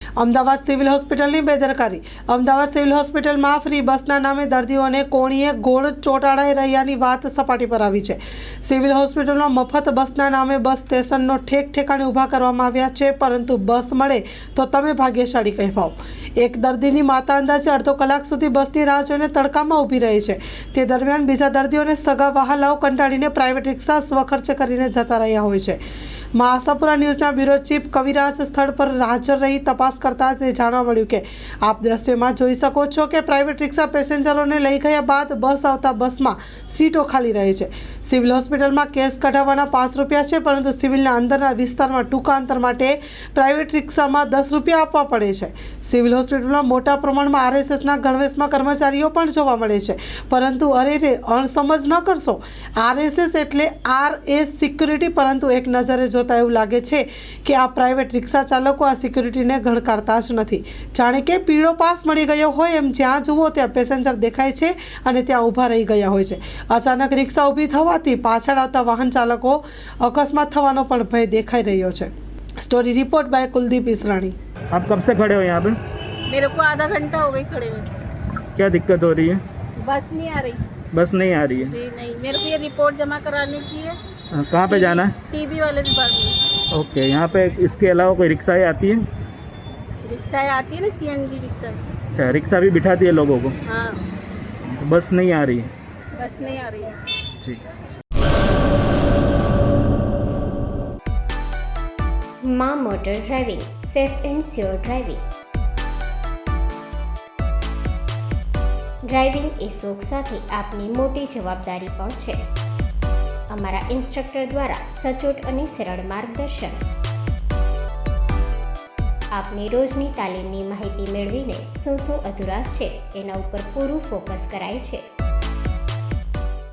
Ahmedabad civil હોસ્પિટલની બેદરકારી. Ahmedabad civil હોસ્પિટલમાં ફ્રી બસના નામે દર્દીઓને કોણીએ ગોળ ચોંટાડાઈ રહ્યાની વાત સપાટી પર આવી છે. સિવિલ હોસ્પિટલમાં મફત બસના નામે બસ સ્ટેશનનો ઠેકાણે ઊભા કરવામાં આવ્યા છે, પરંતુ બસ મળે તો તમે ભાગ્યશાળી કહેવાઓ. એક દર્દીની માતા અંદાજે અડધો કલાક સુધી બસની રાહ જોઈને તડકામાં ઊભી રહી છે. તે દરમિયાન બીજા દર્દીઓને સગા વહાલાઓ કંટાળીને પ્રાઇવેટ રિક્ષા સ્વખર્ચે કરીને જતા રહ્યા હોય છે. આશાપુરા ન્યૂઝના બ્યુરો ચીફ કવિરાજ સ્થળ પર હાજર રહી તપાસ કરતા તે જાણવા મળ્યું કે આપ દ્રશ્યમાં જોઈ શકો છો કે પ્રાઇવેટ રિક્ષા પેસેન્જરોને લઈ ગયા બાદ બસ આવતા બસમાં સીટો ખાલી રહે છે. સિવિલ હોસ્પિટલમાં કેસ કઢાવવાના 5 રૂપિયા છે, પરંતુ સિવિલના અંદરના વિસ્તારમાં ટૂંકા અંતર માટે પ્રાઇવેટ રિક્ષામાં 10 રૂપિયા આપવા પડે છે. સિવિલ હોસ્પિટલમાં મોટા પ્રમાણમાં આરએસએસના ગણવેશમાં કર્મચારીઓ પણ જોવા મળે છે, પરંતુ અરે અણસમજ ન કરશો, આરએસએસ એટલે RS સિક્યુરિટી, પરંતુ એક નજરે જોતા એવું લાગે છે કે આ પ્રાઇવેટ રિક્ષા ચાલકો આ સિક્યુરિટીને ગણકારતા જ નથી. જાણે કે પીળો પાસ મળી ગયો હોય એમ જ્યાં જુઓ ત્યાં પેસેન્જર દેખાય છે અને ત્યાં ઊભા રહી ગયા હોય છે. અચાનક રિક્ષા ઊભી થવાથી પાછળ આવતા વાહન ચાલકો અકસ્માત થવાનો પણ ભય દેખાઈ રહ્યો છે. Story report by Kuldeep Israni. आप कब से खड़े हो यहाँ पे? मेरे को आधा घंटा हो गई खड़े हुए. क्या दिक्कत हो रही है? बस नहीं आ रही. बस नहीं आ रही है? जी नहीं, मेरे को ये रिपोर्ट जमा कराने की है. कहाँ पे जाना है? टीबी वाले विभाग में. ओके, यहाँ पे इसके अलावा कोई रिक्शाएँ आती हैं? रिक्शाएँ आती है ना, CNG रिक्शा. अच्छा, रिक्शा भी बिठाती है लोगों को? हाँ. बस नहीं आ रही है? बस नहीं आ रही है. ठीक है. માં motor driving, safe and sure driving. Driving એ શોખ સાથે આપની મોટી જવાબદારી પણ છે. અમારા ઇન્સ્ટ્રક્ટર દ્વારા સચોટ અને સરળ માર્ગદર્શન. આપની રોજની તાલીમની માહિતી મેળવીને શું અધુરાશ છે એના ઉપર પૂરું ફોકસ કરાય છે.